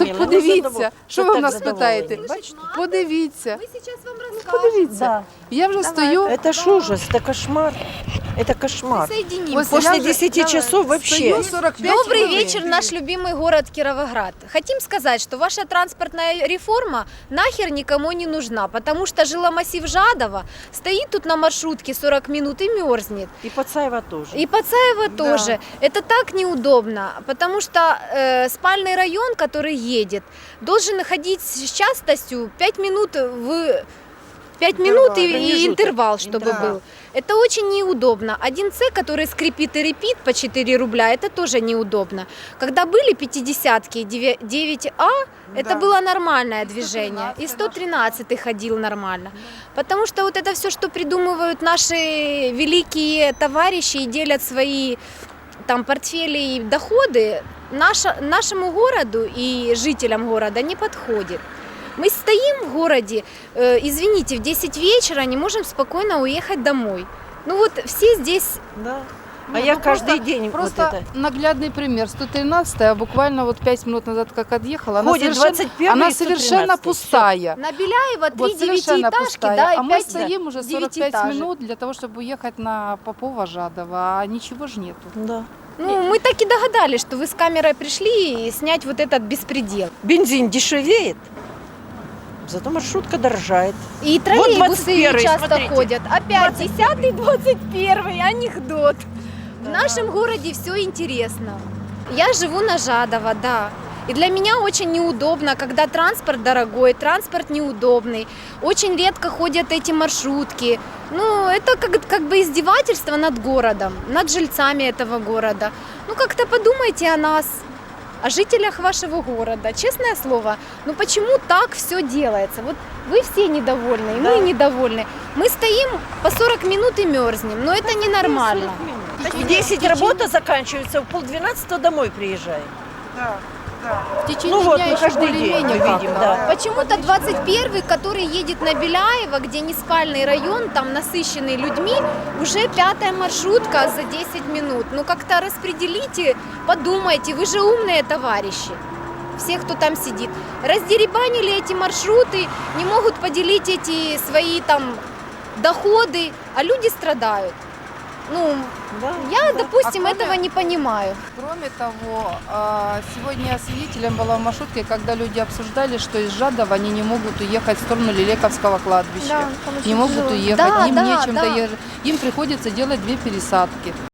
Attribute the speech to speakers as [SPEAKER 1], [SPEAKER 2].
[SPEAKER 1] Людмила,
[SPEAKER 2] подивіться, що ви в
[SPEAKER 1] так
[SPEAKER 2] нас
[SPEAKER 1] задоволені.
[SPEAKER 2] питаєте?
[SPEAKER 1] Бачите?
[SPEAKER 2] Подивіться,
[SPEAKER 3] Мы сейчас вам расскажем.
[SPEAKER 2] подивіться.
[SPEAKER 1] Да.
[SPEAKER 2] Я вже стою.
[SPEAKER 1] Это ж ужас, это кошмар. Это кошмар.
[SPEAKER 3] Соединимся.
[SPEAKER 2] Ось
[SPEAKER 1] После
[SPEAKER 2] я вже
[SPEAKER 1] 10 часов вообще.
[SPEAKER 2] стою 45
[SPEAKER 3] Добрый
[SPEAKER 2] хвилин.
[SPEAKER 3] вечер, наш любимый город Кировоград. Хотим сказать, что ваша транспортная реформа нахер никому не нужна, потому что жиломассив Жадова стоит тут на маршрутке 40 минут и мерзнет.
[SPEAKER 1] И Пацаева тоже.
[SPEAKER 3] И Пацаева
[SPEAKER 2] Да.
[SPEAKER 3] тоже. Это так неудобно, потому что спальный район, который едет, должен ходить с частостью 5 минут в 5 минут и
[SPEAKER 1] Промежуток.
[SPEAKER 3] интервал, чтобы
[SPEAKER 1] Да.
[SPEAKER 3] был. Это очень неудобно. 1С, который скрипит и репит по 4 рубля, это тоже неудобно. Когда были 50-ки 9А, это было нормальное движение. И 113 ходил нормально. Потому что вот это все, что придумывают наши великие товарищи и делят свои там портфели и доходы, нашему городу и жителям города не подходит. Мы стоим в городе, извините, в 10 вечера не можем спокойно уехать домой. Ну вот все здесь,
[SPEAKER 1] Да. А
[SPEAKER 2] Не,
[SPEAKER 1] я
[SPEAKER 2] ну
[SPEAKER 1] каждый день
[SPEAKER 2] Просто
[SPEAKER 1] вот это.
[SPEAKER 2] наглядный пример. 113-я, буквально вот 5 минут назад, как отъехала,
[SPEAKER 1] Ходит 21-й
[SPEAKER 2] она
[SPEAKER 1] и 113-й.
[SPEAKER 2] совершенно
[SPEAKER 1] Всё.
[SPEAKER 2] пустая.
[SPEAKER 3] на Беляева 3
[SPEAKER 2] Вот совершенно
[SPEAKER 3] девятиэтажки,
[SPEAKER 2] пустая.
[SPEAKER 3] да, и
[SPEAKER 2] А мы
[SPEAKER 3] 5
[SPEAKER 2] стоим уже 45
[SPEAKER 3] девятиэтажек.
[SPEAKER 2] минут для того, чтобы уехать на Попова, Жадова, а ничего ж нету.
[SPEAKER 1] Да.
[SPEAKER 3] Ну, мы так и догадались, что вы с камерой пришли и снять вот этот беспредел.
[SPEAKER 1] Бензин дешевеет, зато маршрутка дорожает.
[SPEAKER 3] И троллейбусы
[SPEAKER 1] 21-й,
[SPEAKER 3] часто
[SPEAKER 1] смотрите.
[SPEAKER 3] ходят. Опять 10-й, 21-й, анекдот. В
[SPEAKER 1] Да.
[SPEAKER 3] нашем городе все интересно. Я живу на Жадова, да. И для меня очень неудобно, когда транспорт дорогой, транспорт неудобный. Очень редко ходят эти маршрутки. Ну, это как бы издевательство над городом, над жильцами этого города. Ну, как-то подумайте о нас, о жителях вашего города. Честное слово, ну почему так все делается? Вот вы все недовольны, и
[SPEAKER 1] Да.
[SPEAKER 3] мы недовольны. Мы стоим по 40 минут и мерзнем, но это ненормально.
[SPEAKER 1] В 10 работа заканчивается, в 11:30 домой приезжаем.
[SPEAKER 2] В течение
[SPEAKER 1] Ну вот,
[SPEAKER 2] дня
[SPEAKER 1] мы
[SPEAKER 2] еще
[SPEAKER 1] каждый день
[SPEAKER 2] более-менее
[SPEAKER 1] мы видим,
[SPEAKER 2] как-то.
[SPEAKER 1] да.
[SPEAKER 3] Почему-то 21-й, который едет на Беляева, где не спальный район, там насыщенный людьми, уже 5-я маршрутка за 10 минут. Ну как-то распределите, подумайте, вы же умные товарищи. Все, кто там сидит. Раздеребанили эти маршруты, не могут поделить эти свои там доходы, а люди страдают. Ну,
[SPEAKER 1] Да,
[SPEAKER 3] я,
[SPEAKER 1] да.
[SPEAKER 3] допустим,
[SPEAKER 2] А
[SPEAKER 3] этого
[SPEAKER 2] кроме-
[SPEAKER 3] не понимаю.
[SPEAKER 2] Кроме того, сегодня я свидетелем была в маршрутке, когда люди обсуждали, что из Жадова они не могут уехать в сторону Лилековского кладбища.
[SPEAKER 3] там
[SPEAKER 2] Не
[SPEAKER 3] очень
[SPEAKER 2] могут
[SPEAKER 3] тяжело.
[SPEAKER 2] уехать,
[SPEAKER 3] Да,
[SPEAKER 2] им
[SPEAKER 3] да,
[SPEAKER 2] нечем
[SPEAKER 3] да.
[SPEAKER 2] доехать. Им приходится делать 2 пересадки.